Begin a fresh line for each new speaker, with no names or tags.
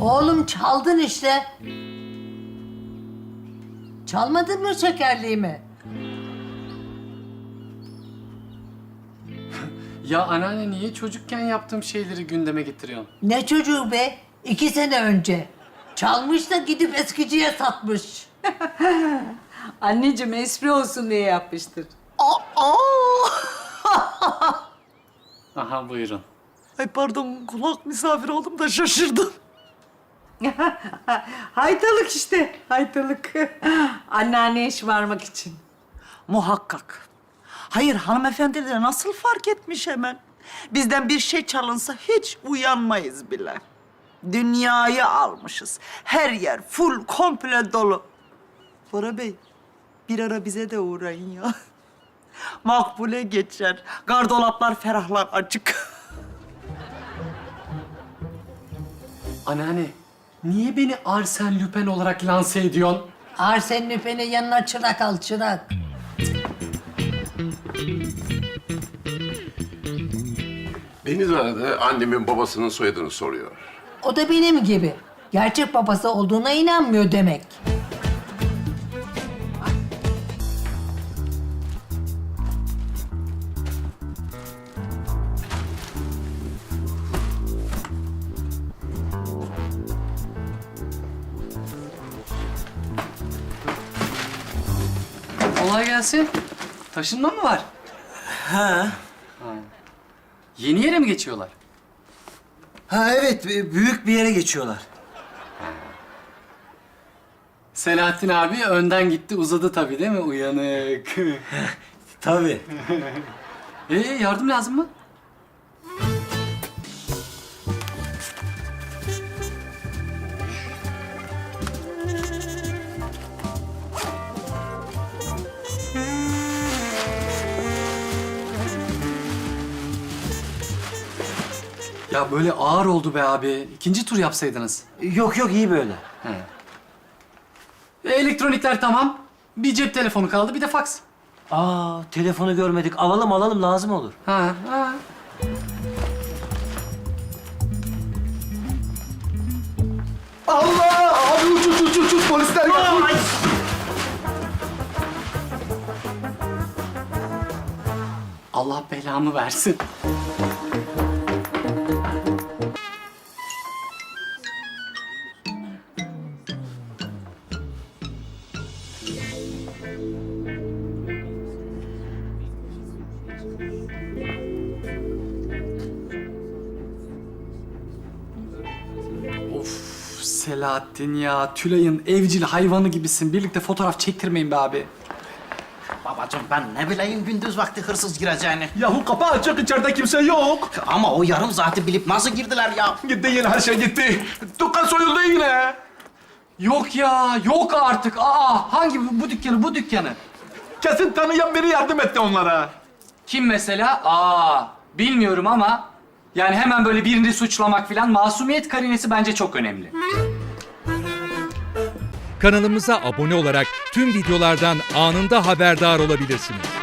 Oğlum çaldın işte. Çalmadın mı şekerliğimi?
Ya anneanne niye çocukken yaptığım şeyleri gündeme getiriyorsun?
Ne çocuğu be? 2 sene önce. Çalmış da gidip eskiciye satmış.
Anneciğim espri olsun diye yapmıştır.
Aha buyurun.
Ay pardon, kulak misafir oldum da şaşırdım.
Haytalık işte, haytalık. Anneanneye şımarmak için.
Muhakkak. Hayır, hanımefendiler nasıl fark etmiş hemen? Bizden bir şey çalınsa hiç uyanmayız bile. Dünyayı almışız. Her yer full, komple dolu. Bora Bey, bir ara bize de uğrayın ya. Makbule geçer. Gardolaplar ferahlar açık.
Anneanne niye beni Arsène Lupin olarak lanse ediyorsun?
Arsène Lupin'in yanına çırak al, çırak.
Beni de aradı, annemin babasının soyadını soruyor.
O da benim gibi. Gerçek babası olduğuna inanmıyor demek.
Kolay gelsin. Taşınma mı var?
Ha.
Yeni yere mi geçiyorlar?
Ha evet, büyük bir yere geçiyorlar.
Selahattin abi önden gitti uzadı tabii değil mi? Uyanık.
Tabii.
Yardım lazım mı? Ya böyle ağır oldu be abi. İkinci tur yapsaydınız.
Yok yok, iyi böyle.
Elektronikler tamam. Bir cep telefonu kaldı, bir de faks.
Aa, telefonu görmedik. Alalım lazım olur.
Ha.
Allah! Abi uç polisler geldi.
Allah belamı versin. Of Selahattin ya, Tülay'ın evcil hayvanı gibisin. Birlikte fotoğraf çektirmeyin be abi.
Babacığım ben ne bileyim gündüz vakti hırsız gireceğini.
Yahu kapı açık, içeride kimse yok.
Ama o yarım saati bilip nasıl girdiler ya?
Gitti yine, her şey gitti. Dükkan soyuldu yine.
Yok ya, yok artık. Hangi bu dükkanı, bu dükkanı?
Kesin tanıyan biri yardım etti onlara.
Kim mesela? Bilmiyorum ama yani hemen böyle birini suçlamak falan, masumiyet karinesi bence çok önemli.
Kanalımıza abone olarak tüm videolardan anında haberdar olabilirsiniz.